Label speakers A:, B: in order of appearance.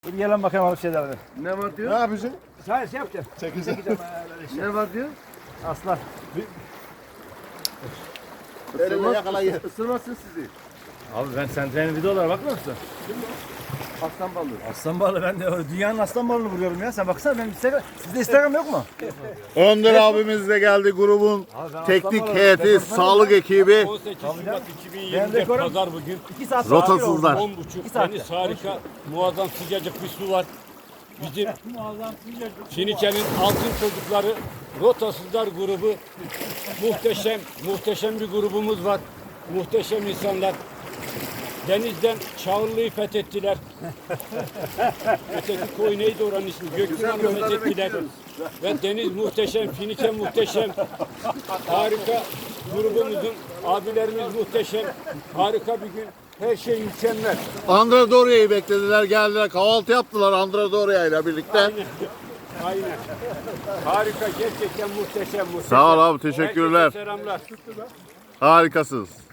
A: Bir gelen bakayım alıp şeylerden.
B: Ne var
C: Ne
B: diyor?
C: yapıyorsun?
A: Hayır şey yapacağım.
C: Çekeceğim.
B: Ne var diyor?
A: Aslan.
C: Elinle yakalayın.
B: Isırmasın sizi.
A: Abi ben Sentry'nin videolara bakmıyor musun?
B: Aslan balığı.
A: Aslan balığı ben de dünyanın aslan balığını vuruyorum ya. Sen baksana benim Instagram. Sizde Instagram yok mu?
C: Önder abimiz de geldi, grubun
A: Abi ben
C: teknik
A: aslan balığı-
C: heyeti,
A: departmanı-
C: sağlık ekibi.
D: 18 Şubat
A: Ben
D: 2020'de
A: rekorum.
D: pazar bugün.
A: 2 saat
C: Rotasızlar.
D: 10.30
A: saatte.
D: deniz harika, muazzam sıcacık bir su var. Bizim Finike'nin altın çocukları Rotasızlar grubu muhteşem bir grubumuz var. Muhteşem insanlar. Denizden Çağırlı'yı fethettiler. Öteki koy neydi oranın ismi? Gökmen'i fethettiler. Ve deniz muhteşem, Finike muhteşem. Harika grubumuzun abilerimiz muhteşem. Harika bir gün. Her şey mükemmel.
C: Andradoria'yı beklediler, geldiler, kahvaltı yaptılar Andradoria ile birlikte.
D: Aynen. Harika, gerçekten muhteşem.
C: Sağ ol abi, teşekkürler.
D: Herkese selamlar.
C: Harikasınız.